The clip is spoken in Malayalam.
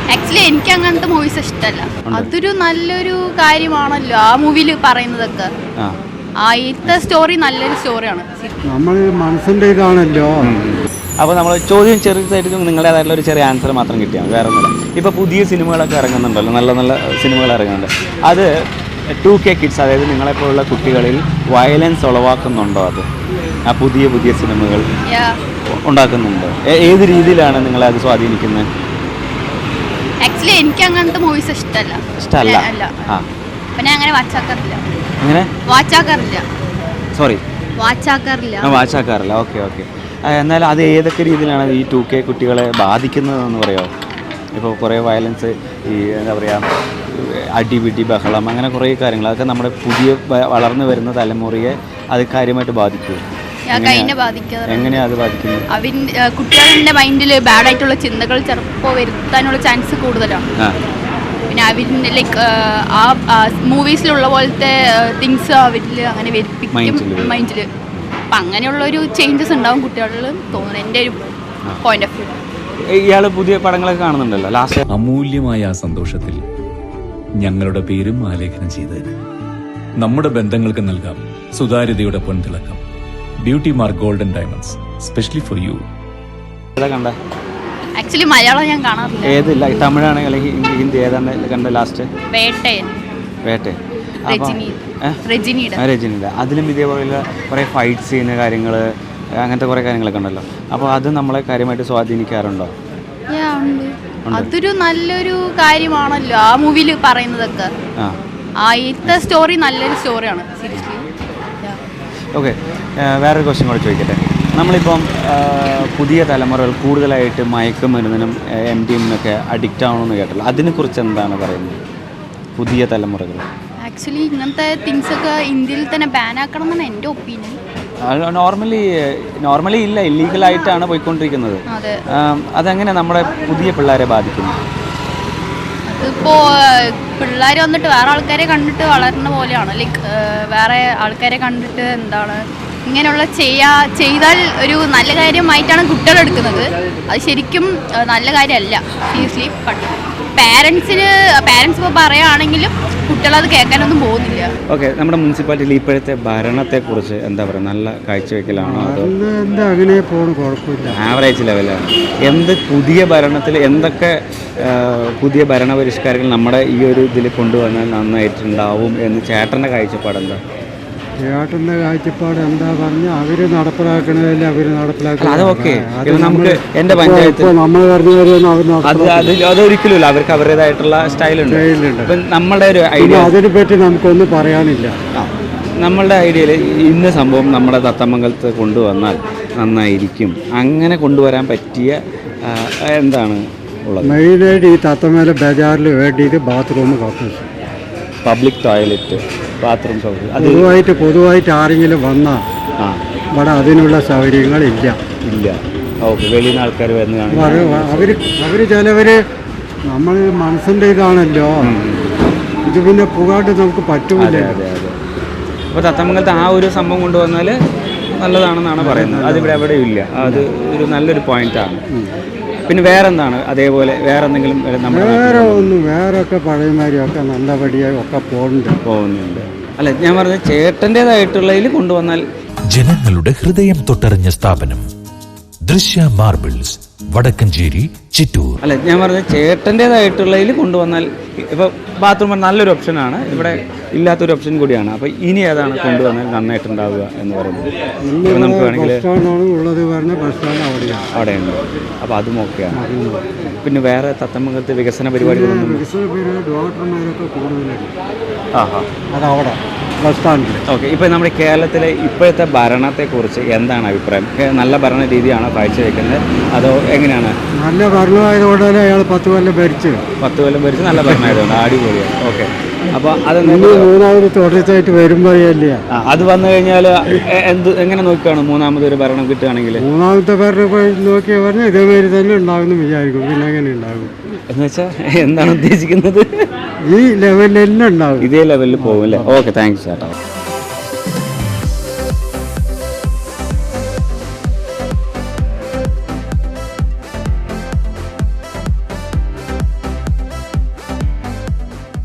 ആക്ച്വലി എനിക്ക് അങ്ങനത്തെ മൂവീസ് ഇഷ്ടമല്ല. അതൊരു നല്ലൊരു കാര്യമാണല്ലോ ആ മൂവിയിൽ പറയുന്നതൊക്കെ. ആദ്യത്തെ സ്റ്റോറി നല്ലൊരു സ്റ്റോറിയാണ്. നമ്മൾ മനസ്സിൻ്റെ ഇതാണല്ലോ. അപ്പോൾ നമ്മൾ ചോദ്യം ചെറുതായിട്ട് നിങ്ങളുടേതായിട്ടുള്ള ഒരു ചെറിയ ആൻസർ മാത്രം കിട്ടിയാണ്, വേറെ ഒന്നുമില്ല. ഇപ്പോൾ പുതിയ സിനിമകളൊക്കെ ഇറങ്ങുന്നുണ്ടല്ലോ, നല്ല നല്ല സിനിമകൾ ഇറങ്ങുന്നുണ്ട്. അത് 2K കിഡ്സ്, അതായത് നിങ്ങളെപ്പോലുള്ള കുട്ടികളിൽ വയലൻസ് ഉളവാക്കുന്നുണ്ടോ? അത് ആ പുതിയ പുതിയ സിനിമകൾ ഉണ്ടാക്കുന്നുണ്ടോ? ഏത് രീതിയിലാണ് നിങ്ങളെ അത് സ്വാധീനിക്കുന്നത്? ആക്ച്വലി എനിക്ക് അങ്ങനത്തെ മൂവീസ് ഇഷ്ടമല്ല. പിന്നെ അങ്ങനെ വാച്ചാക്കാറില്ല. ഓക്കെ. എന്നാൽ അത് ഏതൊക്കെ രീതിയിലാണ് ഈ 2K കുട്ടികളെ ബാധിക്കുന്നതെന്ന് പറയാമോ? ഇപ്പോൾ കുറേ വയലൻസ്, ഈ എന്താ പറയുക, അടിപിടി, ബഹളം, അങ്ങനെ കുറേ കാര്യങ്ങൾ, അതൊക്കെ നമ്മുടെ പുതിയ വളർന്നു വരുന്ന തലമുറയെ അത് കാര്യമായിട്ട് ബാധിക്കുമോ? എങ്ങനെയാണ് അത് ബാധിക്കുന്നത്? കുട്ടികളുടെ മൈൻഡിൽ ബാഡ് ആയിട്ടുള്ള ചിന്തകൾ ചിലപ്പോൾ വരുത്താനുള്ള ചാൻസ് കൂടുതലാണ്. പിന്നെ അവരിന് ലൈക്ക് ആ മൂവീസിലുള്ള പോലത്തെ തിങ്സ് അവരിൽ അങ്ങനെ വരിപ്പിക്കും മൈൻഡിൽ. അപ്പം അങ്ങനെയുള്ളൊരു ചേഞ്ചസ് ഉണ്ടാവും കുട്ടികളിൽ തോന്നുന്നു, എൻ്റെ ഒരു പോയിന്റ് ഓഫ് വ്യൂ. ഇയാൾ പുതിയ പടങ്ങളൊക്കെ കാണുന്നുണ്ടല്ലോ. ലാസ്റ്റ് അമൂല്യമായ ആ സന്തോഷത്തിൽ ഞങ്ങളുടെ പേരും ആലേഖനം ചെയ്തതിന് നമ്മുടെ ബന്ധങ്ങൾക്ക് നൽകാം സുതാര്യതയുടെ പൊൻതിളക്കം. Beauty mark golden diamonds, specially for you. കണ്ട ആക്ച്വലി മലയാളം ഞാൻ കാണാറില്ല. ഏതില്ല, തമിഴാണ് അല്ലെങ്കിൽ ഹിന്ദി, ഏതാണ് കണ്ട ലാസ്റ്റ്? വേട്ട രജനിയുടെ. അതിലും ഇതേപോലെയുള്ള കുറേ ഫൈറ്റ് ചെയ്യുന്ന കാര്യങ്ങൾ, അങ്ങനത്തെ കുറേ കാര്യങ്ങളൊക്കെ ഉണ്ടല്ലോ. അപ്പോൾ അത് നമ്മളെ കാര്യമായിട്ട് സ്വാധീനിക്കാറുണ്ടോ? അതൊരു നല്ലൊരു കാര്യമാണല്ലോ ആ മൂവിയിൽ പറയുന്നതൊക്കെ. ആദ്യത്തെ സ്റ്റോറി നല്ലൊരു സ്റ്റോറിയാണ് സീരിയസ്ലി. ഓക്കെ, വേറൊരു ക്വസ്റ്റ്യൻ കൂടെ ചോദിക്കട്ടെ. നമ്മളിപ്പം പുതിയ തലമുറകൾ കൂടുതലായിട്ട് മയക്കുമരുന്നിനും MDMA അഡിക്റ്റ് ആവണമെന്ന് കേട്ടല്ലോ, അതിനെക്കുറിച്ച് എന്താണ് പറയുന്നത്? പുതിയ തലമുറകൾ ആക്ച്വലി ഇങ്ങനത്തെ തിങ്സ് ഒക്കെ ഇന്ത്യയിൽ തന്നെ ബാൻ ആക്കണം എന്നാണ് എൻ്റെ ഒപ്പീനിയൻ. നോർമലി ഇല്ല, ഇല്ലീഗലായിട്ടാണ് പോയിക്കൊണ്ടിരിക്കുന്നത്. അതെങ്ങനെ നമ്മുടെ പുതിയ പിള്ളേരെ ബാധിക്കുന്നു? അതിപ്പോൾ പിള്ളേർ വന്നിട്ട് വേറെ ആൾക്കാരെ കണ്ടിട്ട് വളരുന്ന പോലെയാണ്. ലൈക്ക് വേറെ ആൾക്കാരെ കണ്ടിട്ട് എന്താണ് ഇങ്ങനെയുള്ള ചെയ്താൽ ഒരു നല്ല കാര്യമായിട്ടാണ് കുട്ടികൾ എടുക്കുന്നത്. അത് ശരിക്കും നല്ല കാര്യമല്ല സീരിയസ്ലി. പാരൻസ് ഇപ്പോൾ പറയുകയാണെങ്കിലും കുട്ടികളത് കേൾക്കാനൊന്നും പോകുന്നില്ല. ഓക്കെ, നമ്മുടെ മുനിസിപ്പാലിറ്റിയിൽ ഇപ്പോഴത്തെ ഭരണത്തെക്കുറിച്ച് എന്താ പറയുക? നല്ല കാഴ്ചവെക്കലാണോ അതോ അങ്ങനെ പോകുന്നു? കുഴപ്പമില്ല, ആവറേജ് ലെവലാണ്. പുതിയ ഭരണത്തിൽ എന്തൊക്കെ പുതിയ ഭരണപരിഷ്കാരങ്ങൾ നമ്മുടെ ഈ ഒരു ഇതിൽ കൊണ്ടുവന്നാൽ നന്നായിട്ടുണ്ടാവും എന്ന് ചേട്ടൻ്റെ കാഴ്ചപ്പാട് എന്താ? ചേട്ടൻ്റെ കാഴ്ചപ്പാട് എന്താ പറഞ്ഞാൽ അവർ നടപ്പിലാക്കണതല്ലേ അവർ നടപ്പിലാക്കുക. അതൊക്കെ നമുക്ക് എൻ്റെ പഞ്ചായത്ത് നമ്മൾ അതൊരിക്കലും ഇല്ല, അവർക്ക് അവരുടേതായിട്ടുള്ള സ്റ്റൈലുണ്ട്. നമ്മുടെ ഒരു ഐഡിയ അതിനെ പറ്റി നമുക്കൊന്നും പറയാനില്ല. നമ്മളുടെ ഐഡിയയിൽ ഇന്ന സംഭവം നമ്മുടെ തത്തമംഗലത്ത് കൊണ്ടുവന്നാൽ നന്നായിരിക്കും, അങ്ങനെ കൊണ്ടുവരാൻ പറ്റിയ എന്താണ് ഉള്ളത്? മെയിനായിട്ട് ഈ തത്തമേല ബജാറിൽ വേണ്ടിയിട്ട് ബാത്റൂം, കക്കൂസ്, പബ്ലിക് ടോയ്ലറ്റ്, ബാത്റൂം സൗകര്യം. പൊതുവായിട്ട് ആരെങ്കിലും വന്നാൽ ഇവിടെ അതിനുള്ള സൗകര്യങ്ങളില്ല. ഓക്കെ, വെളിയിൽ നിന്ന് ആൾക്കാർ വരുന്നതാണ്. അവർ ചിലവർ നമ്മൾ മനസ്സിൻ്റെ ഇതാണല്ലോ, ഇത് പിന്നെ പുകാട്ട് നമുക്ക് പറ്റൂല. അതെ. അപ്പോൾ തത്തമംഗലത്ത് ആ ഒരു സംഭവം കൊണ്ടുവന്നാൽ നല്ലതാണെന്നാണ് പറയുന്നത്. അതിവിടെ എവിടെയും ഇല്ല. അത് ഒരു നല്ലൊരു പോയിന്റാണ്. പിന്നെ വേറെന്താണ് അതേപോലെ വേറെ എന്തെങ്കിലും? വേറൊക്കെ പഴയമാരിയൊക്കെ നല്ലപടിയായി ഒക്കെ പോകുന്നുണ്ട്. അല്ല, ഞാൻ പറഞ്ഞത് ചേട്ടൻ്റെതായിട്ടുള്ളതിൽ കൊണ്ടുവന്നാൽ. ജനങ്ങളുടെ ഹൃദയം തൊട്ടറിഞ്ഞ സ്ഥാപനം ദൃശ്യ മാർബിൾസ്, വടക്കഞ്ചേരി, ചിറ്റൂർ. അല്ല, ഞാൻ പറഞ്ഞത് ചേട്ടൻ്റെതായിട്ടുള്ളതിൽ കൊണ്ടുവന്നാൽ. ഇപ്പോൾ ബാത്റൂം നല്ലൊരു ഓപ്ഷനാണ്, ഇവിടെ ഇല്ലാത്തൊരു ഓപ്ഷൻ കൂടിയാണ്. അപ്പോൾ ഇനി ഏതാണ് കൊണ്ടുവന്നാൽ നന്നായിട്ടുണ്ടാവുക എന്ന് പറയുന്നത്? നമുക്ക് വേണമെങ്കിൽ അവിടെയുണ്ട്. അപ്പോൾ അതും ഓക്കെയാണ്. പിന്നെ വേറെ തത്തമംഗലത്തെ വികസന പരിപാടികളൊന്നും? അതവിടെ ബസ് സ്റ്റാൻഡിൽ. ഓക്കെ, ഇപ്പോൾ നമ്മുടെ കേരളത്തിലെ ഇപ്പോഴത്തെ ഭരണത്തെക്കുറിച്ച് എന്താണ് അഭിപ്രായം? നല്ല ഭരണ രീതിയാണോ കാഴ്ചവെക്കുന്നത് അതോ എങ്ങനെയാണ്? നല്ല ഭരണമായതുകൊണ്ടല്ലേ അയാൾ 10 കൊല്ലം ഭരിച്ച് നല്ല ഭരണമായതുകൊണ്ട് അടിപൊളിയാണ്. ഓക്കെ, അപ്പോൾ അത് മൂന്നാമത് തുടർച്ചയായിട്ട് വരുമ്പോഴല്ലേ അത് വന്നു കഴിഞ്ഞാൽ എങ്ങനെ നോക്കുകയാണ്? മൂന്നാമതൊരു ഭരണം കിട്ടുകയാണെങ്കിൽ മൂന്നാമത്തെ ഭരണം നോക്കിയാൽ പറഞ്ഞാൽ ഇതേമാതിരി തന്നെ ഉണ്ടാകുമെന്ന് വിചാരിക്കും. പിന്നെ എങ്ങനെ ഉണ്ടാകും എന്ന് വെച്ചാൽ എന്താണ് ഉദ്ദേശിക്കുന്നത്? ഈ ലെവലിൽ തന്നെ ഉണ്ടാവും, ഇതേ ലെവലിൽ പോകും അല്ലേ? ഓക്കെ, താങ്ക്സ് ചേട്ടാ.